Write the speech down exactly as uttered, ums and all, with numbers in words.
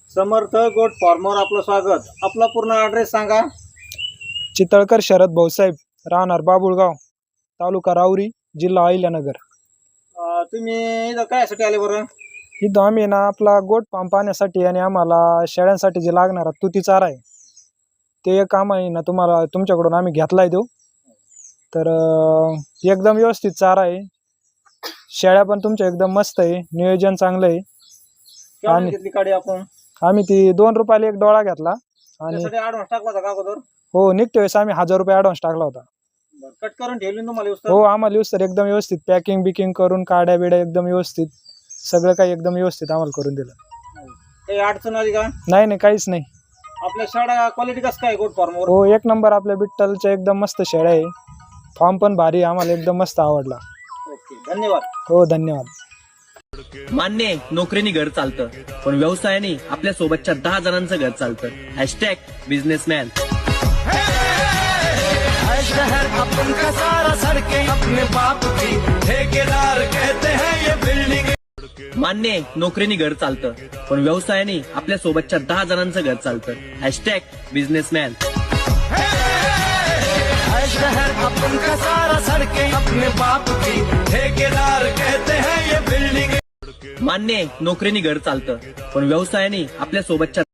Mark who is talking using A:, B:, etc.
A: समर्थ गोट फार्मवर आपलं स्वागत। आपला पूर्ण ॲड्रेस सांगा।
B: चितळकर शरद भाऊसाहेब, राहणार बाबुळगाव, तालुका राऊरी, जिल्हा अहिल्यानगर।
A: अं, तुम्ही इथं कायसाठी आले बरं?
B: इथं आम्ही ना आपला गोट फार्म पाहण्यासाठी आणि आम्हाला शेळ्यांसाठी जे लागणारा तुती चारा आहे ते एक काम आहे ना तुम्हाला तुमच्याकडून आम्ही घेतलाय देऊ। तर अं, एकदम व्यवस्थित चारा आहे, शेळ्या पण तुमच्या एकदम मस्त आहे, नियोजन चांगलं आहे।
A: केवढ्याला घेतली गाडी आपण?
B: आम्ही ती दोन रुपयाला एक डोळा घेतला आणि
A: त्यासाठी ॲडव्हान्स टाकला होता का अगोदर?
B: हो, निघते वेळेस आम्ही हजार रुपये ॲडव्हान्स टाकला होता।
A: बरं, कट करून ठेवली ना तुम्हाला व्यवस्थित?
B: हो, आम्हाला व्यवस्थित एकदम व्यवस्थित पॅकिंग बिकिंग करून काड्या बिड्या एकदम व्यवस्थित सगळं काही एकदम व्यवस्थित आम्हाला करून दिलं।
A: काही अडचण आली का?
B: नाही नाही, काहीच नाही।
A: आपल्या शेळ्या क्वालिटी कसं काय गोट फार्मवर?
B: हो, एक नंबर आपल्या बिट्टलच्या एकदम मस्त शेळ्या आहे, फॉर्म पण भारी, आम्हाला एकदम मस्त आवडला।
A: ओके, धन्यवाद।
B: हो, धन्यवाद।
C: मान्य आहे, नोकरीने घर चालतं, पण व्यवसायाने आपल्या सोबतच्या दहा जणांचं घर चालतं। Hashtag businessman.
D: शहर अपन का सारा सड़कें अपने बाप की, ठेकेदार कहते हैं ये बिल्डिंग।
C: मान्य आहे, नोकरीने घर चालतं, पण व्यवसायाने आपल्या सोबतच्या दहा जणांचं घर चालतं। Hashtag businessman.
D: शहर अपन का सारा सड़कें अपने बाप की, ठेकेदार कहते हैं ये बिल्डिंग।
C: मान्य आहे, नोकरीने घर चालतं, पण व्यवसायाने आपल्या सोबतच्या